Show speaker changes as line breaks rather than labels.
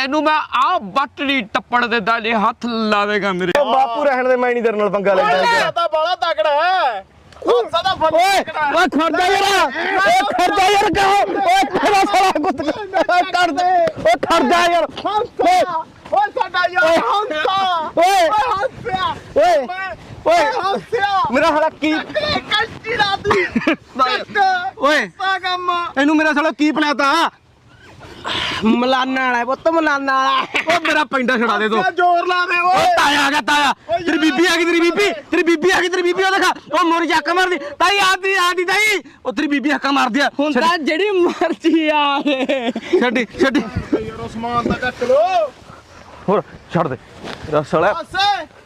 ਤੈਨੂੰ ਮੈਂ ਆ ਬੱਟੜੀ ਟੱਪੜ ਦੇ ਦਾਲੇ ਹੱਥ ਲਾਵੇਗਾ ਮੇਰੇ।
ਬਾਪੂ ਰਹਿਣ ਦੇ, ਮੈਂ ਨਹੀਂ ਤੇਰੇ ਨਾਲ ਪੰਗਾ ਲੈਂਦਾ।
ਤਾਂ ਬਾਲਾ ਤਕੜਾ ਹੈ ਸਦਾ ਫੜ
ਓਏ ਖੜਦਾ ਯਾਰ, ਓਏ ਖੜਦਾ ਯਾਰ, ਕਹੋ ਓਏ ਖੜਾ ਸਾਲਾ ਕੁੱਤ ਕਰ ਦੇ, ਓਏ ਖੜਦਾ ਯਾਰ,
ਓਏ ਸਾਡਾ ਯਾਰ ਹੰਸਾ
ਓਏ
ਹੰਸਿਆ
ਓਏ ਓਏ
ਹੰਸਿਆ
ਮੇਰਾ ਸਾਲਾ ਕੀ
ਕੱਚੀ ਰਾਤੀ
ਓਏ
ਸਾ ਕੰਮ
ਇਹਨੂੰ ਮੇਰਾ ਸਾਲਾ ਕੀ ਬਣਾਤਾ?
ਮਲਾਨਾ ਵਾਲਾ ਪੁੱਤ ਮਲਾਨਾ ਵਾਲਾ
ਓ ਮੇਰਾ ਪੈਂਡਾ ਛਡਾ ਦੇ ਦੋ।
ਜ਼ੋਰ ਲਾ ਦੇ
ਓ ਤਾਇਆ ਆ ਗਿਆ, ਤਾਇਆ ਤੇਰੀ ਬੀਬੀ ਆ ਗਈ, ਤੇਰੀ ਬੀਬੀ ਆ ਗਈ, ਤੇਰੀ ਬੀਬੀ ਉਹ ਦੇਖਾ, ਉਹ ਮੋਰੀ ਚੱਕ ਮਾਰਦੀ ਤਾਈ, ਆਦੀ ਤਾਈ, ਉਹ ਤੇਰੀ ਬੀਬੀ ਹੱਕਾ ਮਾਰਦੀ ਆ।
ਹੁਣ ਤਾਂ ਜਿਹੜੀ ਮਰਜ਼ੀ ਆ
ਛੱਡੀ
ਯਾਰ ਉਸਮਾਨ ਦਾ ਕੱਟ ਲੋ
ਹੋਰ ਛੱਡ ਦੇ ਤੇਰਾ ਸਾਲਾ
ਹੱਸੇ